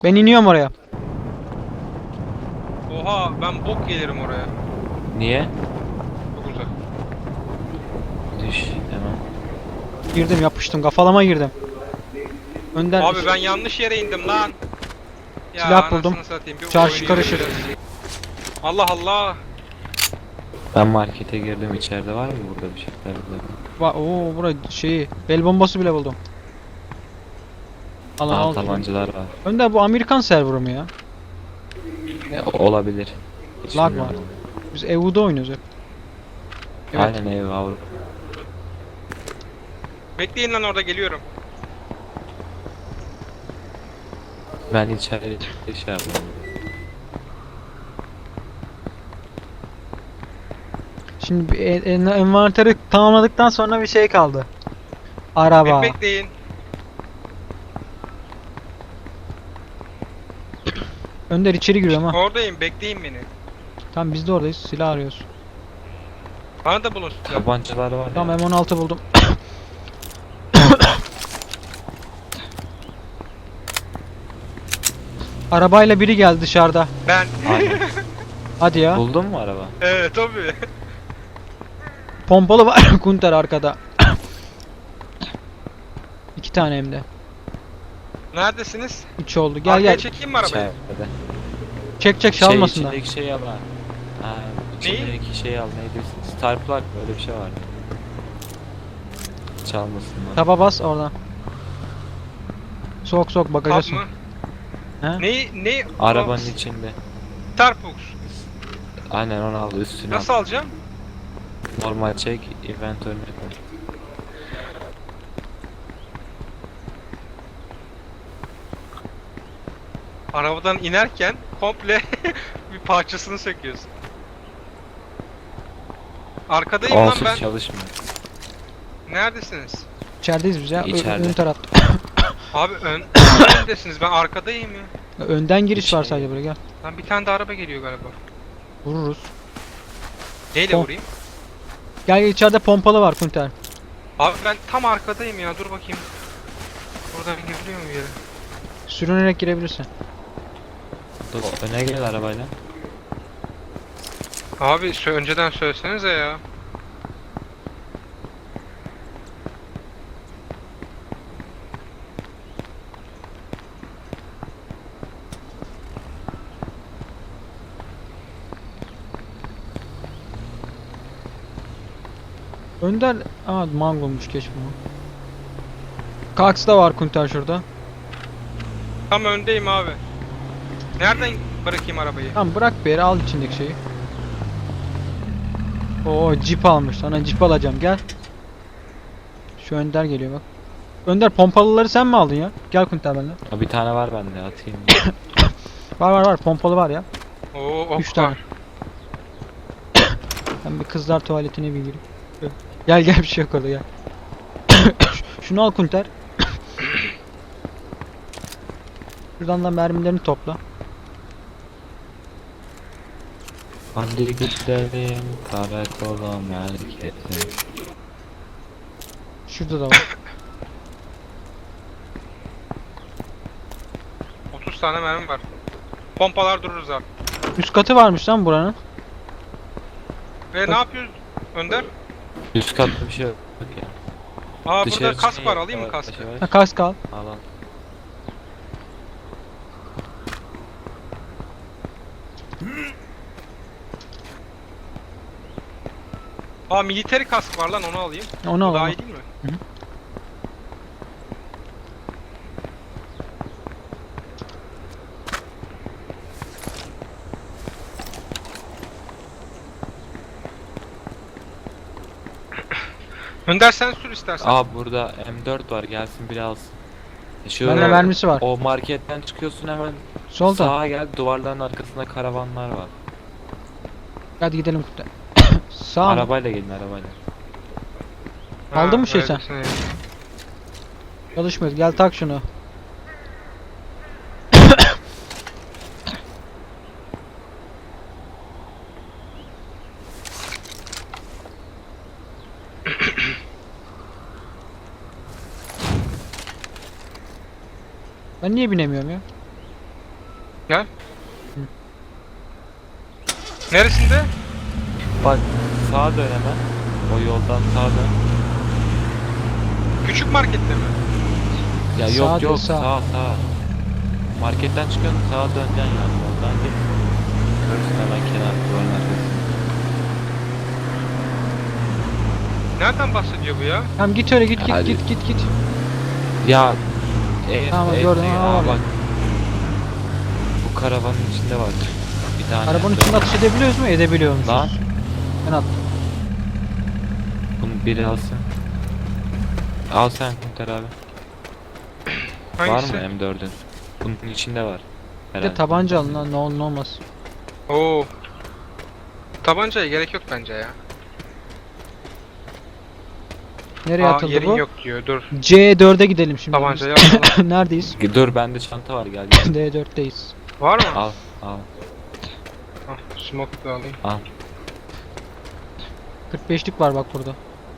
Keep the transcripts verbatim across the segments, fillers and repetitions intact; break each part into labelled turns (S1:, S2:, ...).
S1: Ben iniyorum oraya.
S2: Oha ben bok gelirim oraya.
S3: Niye?
S2: Çok uzak.
S3: Düş hemen.
S1: Girdim, yapıştım, kafalama girdim. Önden
S2: Abi ben yanlış yere indim lan. Ya
S1: Silah buldum.
S2: anasını satayım, bir
S1: Çarşı
S2: oyunu
S1: karışık.
S2: yöneteceğiz. Allah Allah.
S3: Ben markete girdim, içeride var mı burada bir şeyler burada?
S1: Va Oo, bura şeyi, bel bombası bile buldum. Al
S3: Aa,
S1: al.
S3: tabancalar var.
S1: Önder, bu Amerikan serverı mı ya?
S3: E, olabilir. Hiç
S1: Lag
S3: bilmiyorum.
S1: var. Biz E U'da oynuyoruz hep. Evet.
S3: Aynen ev Avrupa.
S2: Bekleyin lan, orada geliyorum.
S3: Ben içeri şey yapıyorum.
S1: Şimdi bir en- en- envanteri tamamladıktan sonra bir şey kaldı. Araba.
S2: Bek bekleyin.
S1: Önder içeri giriyorum ha.
S2: Oradayım, bekleyin beni.
S1: Tamam, biz de oradayız. Silah arıyoruz.
S2: Bana da bulun silah.
S3: Tabancalar var
S1: Tamam,
S3: ya.
S1: M on altı buldum. Arabayla biri geldi dışarıda.
S2: Ben.
S3: Aynen.
S1: Hadi ya.
S3: Buldun mu araba?
S2: Evet tabii.
S1: Pompalı var Kunter arkada. İki tane hem de.
S2: Neredesiniz?
S1: Üç oldu. Gel
S2: Arkaya
S1: gel.
S2: çekeyim mi arabayı?
S3: İçeride.
S1: Çek çek,
S3: Şey
S1: çalmasınlar.
S3: içindeki şeyi al ha. Ha,
S2: Neyi?
S3: içindeki şeyi al, neydi? Star plug mı? Öyle bir şey var. Çalmasınlar.
S1: Taba bas oradan. Sok sok, bagaja
S2: Kap
S1: sok.
S2: mı?
S1: He?
S2: Ne ne?
S3: Arabanın içinde.
S2: Starbox.
S3: Aynen, onu al, üstüne
S2: Nasıl
S3: al.
S2: alacağım?
S3: Normal çek, inventörüne koy.
S2: Arabadan inerken komple bir parçasını söküyorsun. Arkadayım lan
S3: Onsuz
S2: ben.
S3: çalışmıyor.
S2: Neredesiniz?
S1: İçerideyiz biz ya. Ö-
S3: İçeride.
S1: Ön tarafta.
S2: Abi ön öndesiniz. Ben arkadayım ya.
S1: Önden giriş var
S3: İçeri.
S1: sadece, buraya gel.
S2: Lan bir tane de araba geliyor galiba.
S1: Vururuz.
S2: Neyle
S1: Pom-
S2: vurayım?
S1: Gel gel, içeride pompalı var Kunter.
S2: Abi ben tam arkadayım ya. Dur bakayım. Buradan giriliyor mu bir yere?
S1: Sürünerek girebilirsin.
S3: Dur, öne gel arabayla.
S2: Abi sö- önceden söylesenize ya.
S1: Önder... Aa, mangomuş, geç bunu. Kax da var Kunter şurada.
S2: Tam öndeyim abi. Nereden bırakayım arabayı?
S1: Tamam, bırak bir yere, al içindeki şeyi. Oo, Jeep almış. Sana Jeep alacağım, gel. Şu Önder geliyor bak. Önder, pompalıları sen mi aldın ya? Gel Kunter benimle.
S3: Ha, bir tane var bende, atayım.
S1: Var var var, pompalı var ya.
S2: Oo, ok
S1: Üç tane.
S2: var.
S1: Ben bir kızlar tuvaletine bir gireyim. Gel gel, bir şey yok orada, gel. Şunu al Kunter. Şuradan da mermilerini topla.
S3: Hadi gidelim karakola merkeze.
S1: Şurada da var.
S2: otuz tane mermi var. Pompalar dururuz abi.
S1: Üst katı varmış lan buranın.
S2: Ve ne yapıyoruz Önder?
S3: Üst katta bir şey yok ya.
S2: Aa
S3: Dışarı
S2: burada kask
S3: çıkayım,
S2: var, alayım mı
S3: yavaş
S2: kaskı?
S3: yavaş.
S1: Ha, kask al.
S3: Al al.
S2: Aa military kask var lan, onu alayım.
S1: Onu
S2: Bu
S1: al.
S2: daha
S1: onu.
S2: iyi değil mi?
S1: Hı hı.
S2: Önder sen sür istersen.
S3: Aa, burada M dört var, gelsin biri alsın. E, Şu
S1: Bende
S2: Evet.
S1: mermisi var.
S3: o marketten çıkıyorsun, hemen
S1: Solda.
S3: sağa gel, duvarların arkasında karavanlar var.
S1: Hadi gidelim Kunter. Sağ mı?
S3: Arabayla gelin, arabayla.
S1: aldın mı şey sen?
S2: öylesine.
S1: Çalışmıyor. Gel tak şunu. Ben niye binemiyorum ya?
S2: Gel. Neresinde?
S3: Bak sağa dön hemen. O yoldan sağa dön.
S2: Küçük markette mi?
S3: Ya
S1: Sağ
S3: yok
S1: değil,
S3: yok
S1: sağ.
S3: sağ sağ. Marketten çıkıyorsun sağa döneceksin yani yoldan git. Görürsün hemen kenar duvarın arkasında.
S2: Nereden bahsediyor bu ya?
S1: Tamam git öyle git git
S3: Hadi.
S1: git git git.
S3: Ya e,
S1: Tamam,
S3: e,
S1: gördüm,
S3: e,
S1: aa,
S3: aa,
S1: var.
S3: bak. Bu karavanın içinde var. Bir tane.
S1: Arabanın
S3: dön.
S1: içinde atış edebiliyoruz mu? Edebiliyormuşuz.
S3: Lan
S1: Ben attım.
S3: bunu biri alsın. Al sen Kunter abi.
S2: Hangisi?
S3: Var mı M dördün? Bunun içinde var.
S1: Bir de
S3: Herhalde.
S1: tabanca alın lan ne olur ne olmaz.
S2: Oo. Tabancaya gerek yok bence ya.
S1: Nereye
S2: Aa,
S1: atıldı
S2: yerin
S1: bu?
S2: yok diyor. Dur.
S1: C dörde gidelim şimdi.
S2: Tabancayı alalım.
S1: Neredeyiz?
S3: Dur bende çanta var gel gel.
S1: D dörtteyiz.
S2: Var mı?
S3: Al al
S2: Ah, smoke da alayım.
S3: al.
S1: kırk beşlik var bak burada.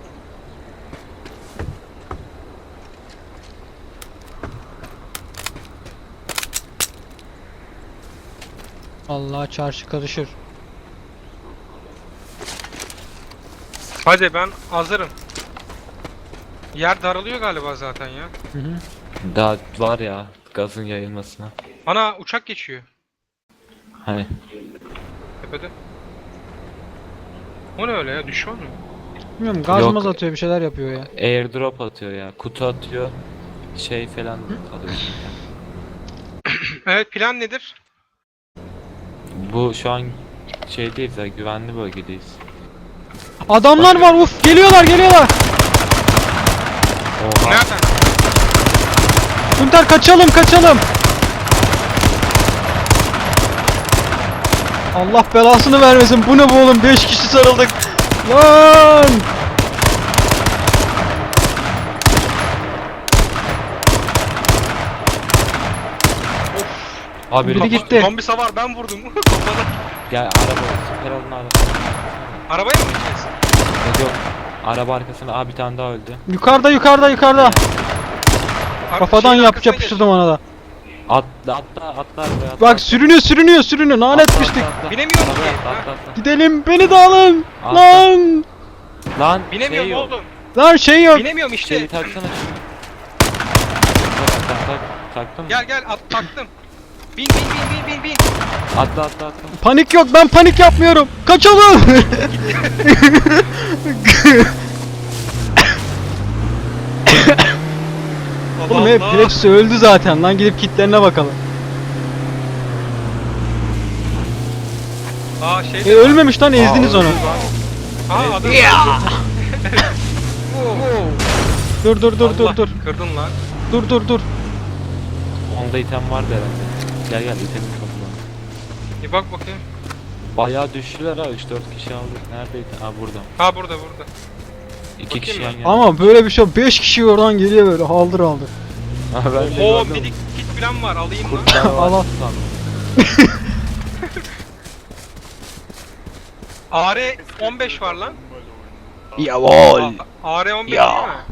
S1: Allah çarşı karışır.
S2: Hadi ben hazırım. Yer daralıyor galiba zaten ya.
S1: Hı hı.
S3: Daha var ya gazın yayılmasına.
S2: Ana uçak geçiyor
S3: Hani
S2: tepede. O ne öyle ya? Düşman mı?
S1: Bilmiyorum gaz
S3: Yok.
S1: maz atıyor bir şeyler yapıyor ya.
S3: airdrop atıyor ya. Kutu atıyor. Şey falan alıyor.
S2: Evet, plan nedir?
S3: Bu şu an şeydeyiz ya güvenli bölgedeyiz.
S1: Adamlar var uf geliyorlar geliyorlar.
S3: Oha.
S2: Nereden?
S1: Kunter kaçalım kaçalım. Allah belasını vermesin. Bu ne bu oğlum? beş kişi sarıldık. Lan!
S3: Abi
S1: Biri
S3: biri
S1: gitti.
S2: Zombi savar ben vurdum. Kafada.
S3: Gel araba süper alın araba.
S2: Arabaya mı gideceğiz?
S3: Yok yok. Araba arkasında abi bir tane daha öldü.
S1: Yukarıda yukarıda yukarıda.
S2: Ar-
S1: Kafadan
S2: şeyin
S1: yap
S2: arkasına
S1: yapıştırdım ona da.
S3: Atla atla atla arabaya atla.
S1: Bak sürünüyor sürünüyor sürünüyor. Lanet
S3: Atla,
S1: pislik.
S3: atla, atla.
S2: Binemiyorum
S3: Arabaya
S2: ki.
S3: atla,
S2: Ha.
S3: atla, atla.
S1: Gidelim beni de alın.
S3: Atla.
S1: Lan!
S3: Lan
S2: Binemiyorum
S3: şey yok.
S2: oğlum.
S1: Lan şey yok.
S2: Binemiyorum işte.
S3: Şeyi taksana şunu. Tak tak tak. Taktın mı?
S2: Gel gel at taktım. Bin bin bin bin bin bin.
S3: Atla atla atla.
S1: Panik yok ben panik yapmıyorum. Kaçalım. Oğlum hep,
S2: Allah.
S1: hepsi öldü zaten lan gidip kitlerine bakalım.
S2: Aa şey
S1: E,
S2: de var.
S1: ölmemiş lan ezdiniz
S3: Aa,
S1: onu.
S2: Aa adam.
S1: Dur dur dur dur
S2: Allah,
S1: dur.
S2: Kırdın lan.
S1: Dur dur dur.
S3: Onda item vardı herhalde. Gel gel itemi topla.
S2: Bir bak bakayım.
S3: Bayağı düştüler ha üç dört kişi aldık. Neredeydi? Ha burada.
S2: Ha burada burada.
S3: iki kişi
S2: Bakayım
S3: yan
S2: ben.
S3: yana.
S1: Ama böyle bir şey beş kişi oradan geliyor böyle haldır haldır.
S3: Ha, ben de
S2: Oo
S3: gördüm.
S2: minik kit falan var alayım mı?
S3: Kurtlar var
S1: Al, al.
S3: sandım.
S2: A R on beş var lan.
S1: Yavol.
S2: A R on beş
S1: Ya.
S2: değil mi?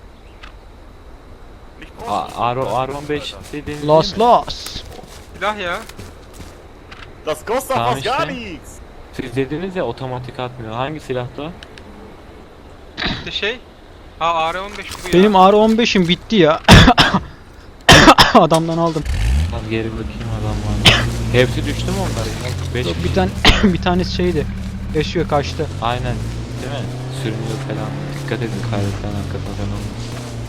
S3: A- R on beş dediğiniz
S1: Los
S3: değil mi?
S1: los.
S2: Silah ya.
S4: Das kostet
S3: Tamam
S4: fast gar
S3: işte.
S4: nichts.
S3: Siz dediniz ya otomatik atmıyor. Hangi silahtı o?
S2: İşte şey. Ha A R on beş bu ya.
S1: Benim R on beşim bitti ya. Adamdan aldım.
S3: Lan geri bakayım adam var. Hepsi düştü mü onlar ya? beş
S1: Yok, bir tane bir tanesi şeydi. Yaşıyor kaçtı.
S3: Aynen. Değil mi? Sürünüyor falan. Dikkat edin kaydıktan arkasına falan olmaz.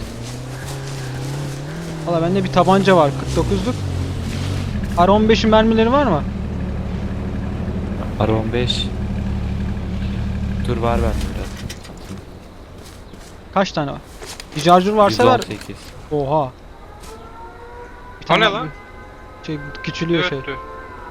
S1: Valla bende bir tabanca var kırk dokuzluk. R on beşin mermileri var mı?
S3: R on beş. Dur var ben biraz.
S1: Kaç tane var? Bir charger varsa ver.
S3: yüz on sekiz.
S1: Oha. Bir
S2: O ne lan?
S1: Şey küçülüyor şey.
S2: Dörttü.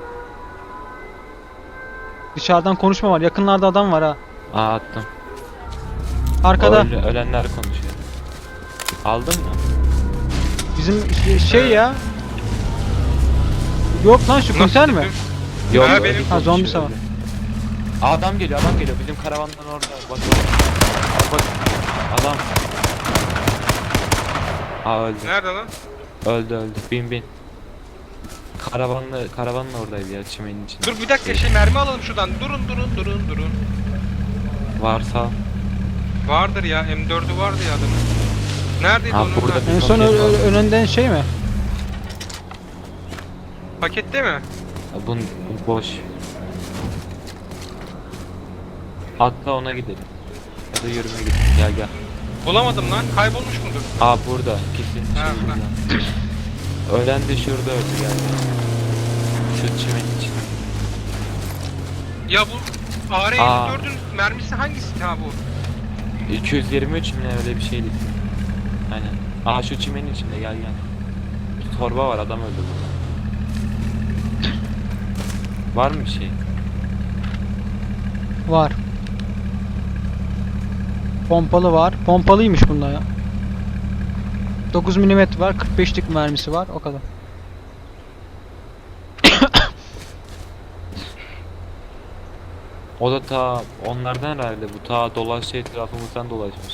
S1: Dışarıdan konuşma var. Yakınlarda adam var ha.
S3: Aa attım.
S1: Arkada.
S3: Öl- ölenler konuşuyor. Aldın mı?
S1: Bizim şey- şey ya. Yok lan şu konser mi?
S2: gittim?
S3: Yok.
S2: Ha,
S3: öyle
S2: benim-
S3: konuşuyor,
S1: Ha, zombi savar.
S3: öyle. Aa, adam geliyor adam geliyor bizim karavandan orada bak bak. Bak adam. Aa öldü.
S2: Nerede lan?
S3: Öldü öldü bin bin. Karavanla, karavanla oradaydı ya çimenin içinde.
S2: Dur bir dakika şey mermi alalım şuradan. Durun durun durun durun.
S3: Varsa.
S2: Vardır ya M dördü vardı ya adamın. Neredeydi
S3: Ha,
S2: onun?
S3: burada
S2: Ha,
S3: bir-
S1: En son
S3: Paket
S1: ö-
S3: var.
S1: ö- önünden şey mi?
S2: pakette mi?
S3: Ya Bun, bu boş. Atla ona gidelim. Ya da yürüme gidelim. Gel gel.
S2: Bulamadım lan. Kaybolmuş mudur?
S3: Aa burada. Kesin
S2: Ha,
S3: şey burada. Ölen de şurada öldü gel. gel. Şu çimenin içinde.
S2: Ya bu A R
S3: Aa.
S2: M dördün mermisi hangisi ha bu?
S3: iki yüz yirmi üç mi ne öyle bir şeydi. Aynen. Aa şu çimenin içinde gel gel. Bir torba var adam öldü burada. Var mı bir şey?
S1: Var. Pompalı var. Pompalıymış bunda ya. dokuz milimetre var. kırk beşlik mermisi var. O kadar.
S3: O da ta onlardan herhalde bu ta dolaştı etrafımızdan dolaşmış.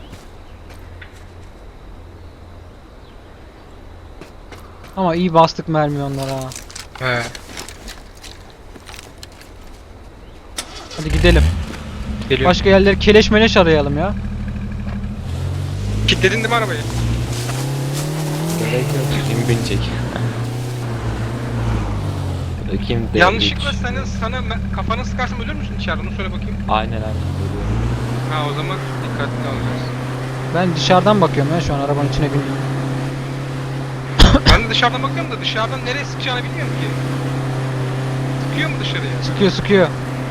S1: Ama iyi bastık mermi onlara ha.
S2: He.
S1: Hadi gidelim.
S2: Geliyor.
S1: Başka yerleri keleş meleş arayalım ya.
S2: Kilitledin değil mi arabayı?
S3: Gerek yok. Kim binecek? Kim de
S2: Yanlışlıkla
S3: hiç-
S2: senin sana me- kafanı sıkarsam ölür müsün içeride? Onu söyle bakayım.
S3: Aynen aynen. Görüyorum.
S2: Ha o zaman dikkatli alacağız.
S1: Ben dışarıdan bakıyorum ya şu an arabanın içine bindim.
S2: Ben de dışarıdan bakıyorum da dışarıdan nereye sıkacağını bilmiyorum ki. Sıkıyor mu dışarıya?
S1: Sıkıyor sıkıyor.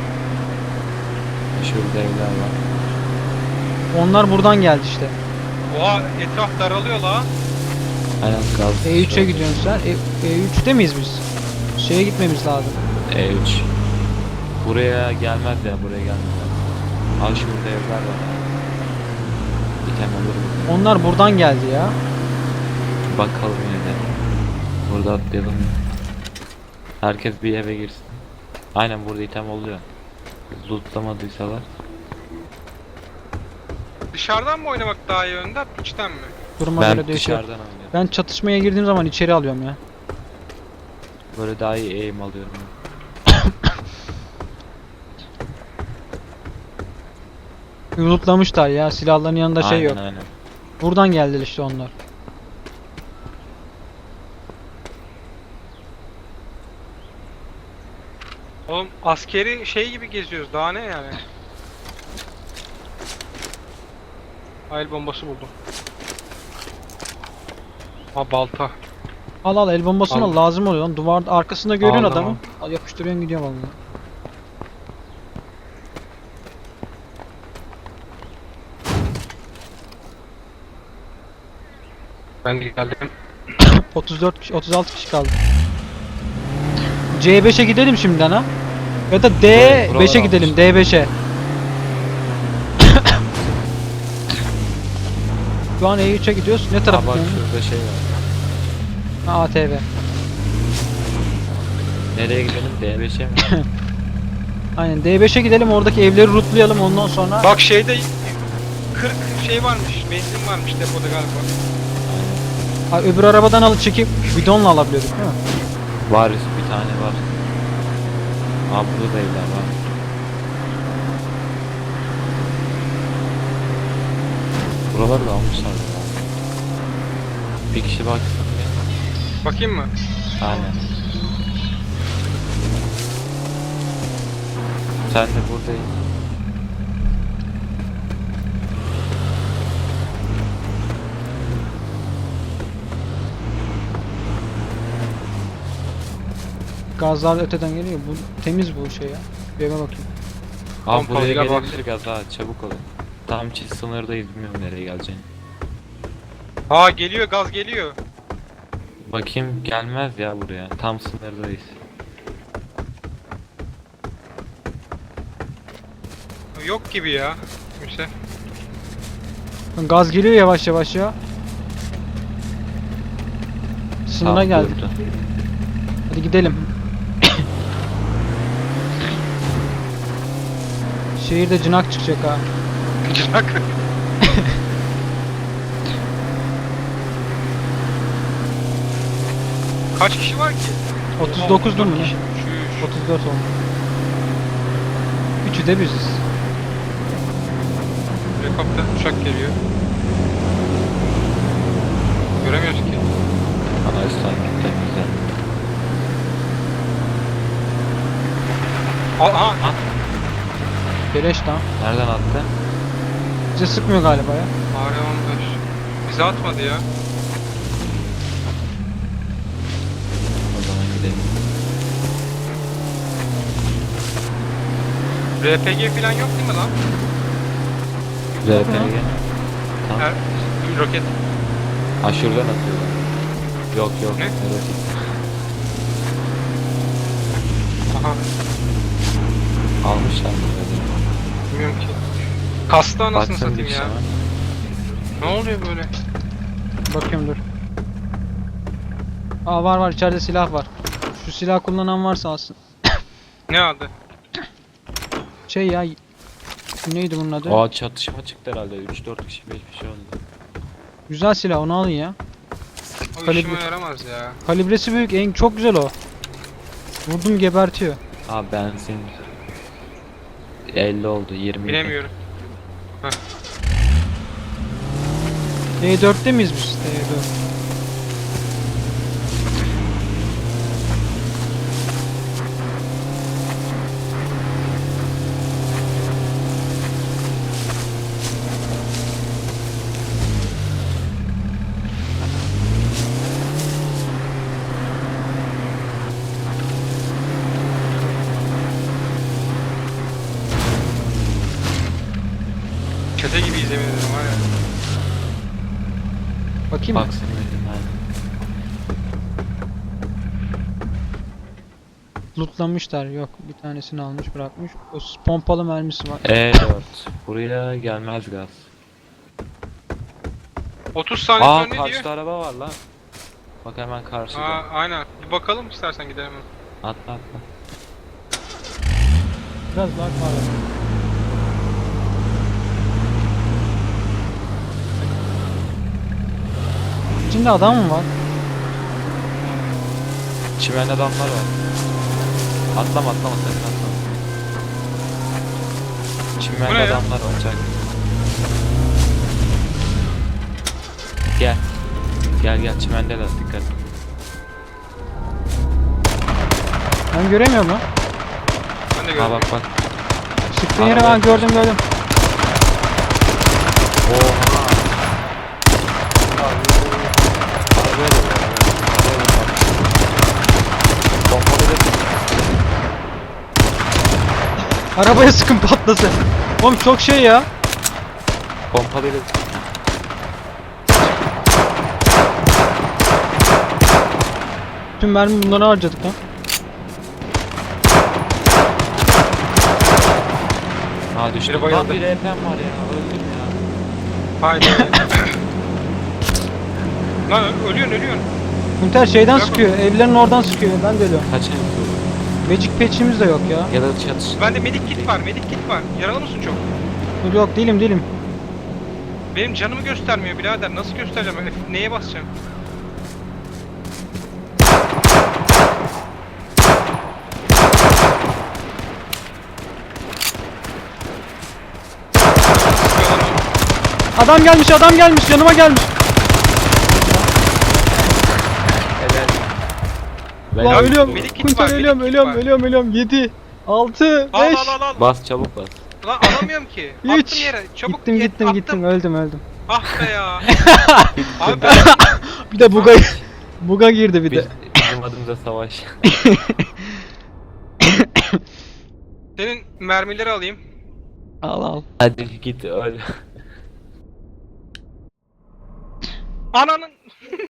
S3: Şurada evler var.
S1: Onlar buradan geldi işte.
S2: Oha etraf daralıyor la.
S3: Aynen gaz.
S1: E üçe gidiyorsun sen. E, E3'te miyiz biz? Şeye gitmemiz lazım.
S3: E üç. Buraya gelmez ya buraya gelmez. Al şurada evler var. Bir tane olur mu?
S1: Onlar buradan geldi ya.
S3: Bakalım yine de. Burada atlayalım. Herkes bir eve girsin. Aynen burada item oluyor. Lootlamadıysalar.
S2: Dışarıdan mı oynamak daha iyi önden, içten mi?
S1: Duruma
S3: Ben
S1: göre değişiyor.
S3: dışarıdan oynuyorum.
S1: Ben çatışmaya girdiğim zaman içeri alıyorum ya.
S3: Böyle daha iyi aim alıyorum.
S1: Lootlamışlar ya. Silahların yanında şey
S3: aynen,
S1: yok.
S3: Aynen.
S1: Buradan geldiler işte onlar.
S2: Oğlum askeri şey gibi geziyoruz daha ne yani? El bombası buldum. Ha balta.
S1: Al al el bombasını al.
S2: Al.
S1: Lazım oluyor lan. Duvar arkasında görüyorsun
S2: Aldım,
S1: adamı. Al yapıştırıyorsun gidiyor vallahi.
S2: Ben de geldim.
S1: otuz dört kişi, otuz altı kişi kaldı. C beşe gidelim şimdiden ha. Ya da D
S3: Buralar
S1: beşe
S3: almış.
S1: gidelim. D beşe. Şu an E üçe gidiyoruz. Ne
S3: Aa
S1: tarafa
S3: bak
S1: gidiyorsun?
S3: şurada şey var.
S1: Ha, A T V.
S3: Nereye gidelim? D beşe mi?
S1: Aynen D beşe gidelim. Oradaki evleri lootlayalım ondan sonra.
S2: Bak şeyde kırk şey varmış, benzin varmış depoda galiba.
S1: Ha, öbür arabadan alıp çekip bidonla alabiliyorduk değil mi?
S3: Var bir tane var. Aa burada da evler var. Buraları da almışlar ya. Bir kişi baksın ya.
S2: Bakayım mı?
S3: Aynen. Sen de buradayız.
S1: Gazlar öteden geliyor. Bu temiz bu şey ya. Bir eve bakayım.
S3: Aa
S2: Pompalı
S3: buraya
S2: gel bak.
S3: gelebilir gaz ha çabuk olun. Tam çiz sınırdayız bilmiyorum nereye geleceğini.
S2: Ha geliyor gaz geliyor.
S3: Bakayım gelmez ya buraya. Tam sınırdayız.
S2: Yok gibi ya. Kimse.
S1: Gaz geliyor yavaş yavaş ya. Sınıra
S3: Tam
S1: geldik.
S3: durdu.
S1: Hadi gidelim. Şehirde cınak çıkacak ha.
S2: Cırak. Kaç kişi var ki?
S1: otuz dokuzdu mu ne?
S2: Şuş.
S1: otuz dört oldu. Üçü de biziz.
S2: Helikopter uçak geliyor. Göremiyoruz ki.
S3: Ana üstten gitti güzel.
S2: Al, aha.
S3: At.
S1: Beleş lan.
S3: Nereden attı?
S1: Bize sıkmıyor galiba ya.
S2: A R on beş. Bize atmadı ya.
S3: O zaman gidelim.
S2: R P G falan yok değil mi lan?
S3: R P G. Tamam.
S2: Her, roket.
S3: Ha şuradan atıyorlar. Yok yok.
S2: Ne?
S3: Evet.
S2: Aha.
S3: Almışlar mı?
S2: Bilmiyorum ki. Kastı anasını
S3: Baksana
S2: satayım
S3: bir
S2: ya.
S3: sana.
S2: Ne oluyor böyle?
S1: Bakıyorum dur. Aa var var içeride silah var. Şu silah kullanan varsa alsın.
S2: Ne adı?
S1: Şey ya. Neydi bunun adı?
S3: Aa çatışma çıktı herhalde. üç dört kişi beş kişi oldu.
S1: Güzel silah onu alın ya.
S2: O
S1: Kalibre-
S2: işime yaramaz ya.
S1: Kalibresi büyük en çok güzel o. Vurdum gebertiyor.
S3: Aa benzin. elli oldu yirmi.
S2: Bilemiyorum.
S1: E dörtte miyiz biz? E dört.
S2: Çete gibiyiz yemin ederim var ya.
S1: Bakayım mı?
S3: Baksana dedim aynen.
S1: Lootlamışlar. Yok bir tanesini almış bırakmış. O s- pompalı mermisi var.
S3: E dört. Buraya gelmez gaz.
S2: otuz saniye
S3: Aa
S2: sonra ne diyor?
S3: karşıda araba var lan. Bak hemen karşıda.
S2: Aa aynen. Bir bakalım istersen gidelim.
S3: Atla atla.
S1: Biraz daha var. İçinde adam mı var?
S3: Çimende adamlar var. Atlama atlama sakın atlama.
S2: Bu ne
S3: Çimende
S2: ya?
S3: adamlar var çak. Gel. Gel gel çimendeler dikkat.
S1: Ben göremiyorum lan.
S2: Ben de
S3: Ha
S2: gördüm.
S3: bak bak.
S1: Sıktığın yeri
S3: Araba-
S1: ben gördüm gördüm.
S3: Oha. Arabaya da var, arabaya da var. Pompalı da-
S1: Arabaya sıkın patlasın. Oğlum çok şey ya.
S3: Pompalıyla
S1: Tüm mermi bunlara harcadık lan.
S3: ha düştü.
S2: Biri bayıldı.
S3: Lan bir E P'm var ya. Öldüm ya.
S2: Haydi. Lan ö- ölüyorsun ölüyorsun.
S1: Günter şeyden
S2: Bırak
S1: sıkıyor. Evlerin oradan sıkıyor. Ben de ölüyorum.
S3: Kaç el vurdu?
S1: Magic patch'imiz de yok ya.
S3: Ya da çatış.
S2: Bende medik kit var, medik kit var. Yaralı mısın çok?
S1: Dur yok değilim değilim.
S2: Benim canımı göstermiyor birader. Nasıl göstereceğim? F- Neye basacağım?
S1: Adam gelmiş adam gelmiş yanıma gelmiş.
S3: Ben
S1: Ulan
S2: Ya,
S1: ölüyorum.
S2: medik kit
S1: Kunter
S2: var,
S1: ölüyorum
S2: medik kit
S1: ölüyorum
S2: var.
S1: ölüyorum ölüyorum. yedi, altı,
S2: Al
S1: beş.
S2: al al al.
S3: Bas çabuk bas.
S2: Lan alamıyorum ki.
S1: Üç.
S2: Attım yere. Çabuk
S1: Gittim
S2: et,
S1: gittim
S2: attım.
S1: gittim öldüm öldüm.
S2: Ah be ya. Abi ben
S1: Bir de buga buga girdi bir
S3: Biz,
S1: de.
S3: bizim adımıza savaş.
S2: senin mermileri alayım.
S1: Al al.
S3: Hadi git öl.
S2: Ananın.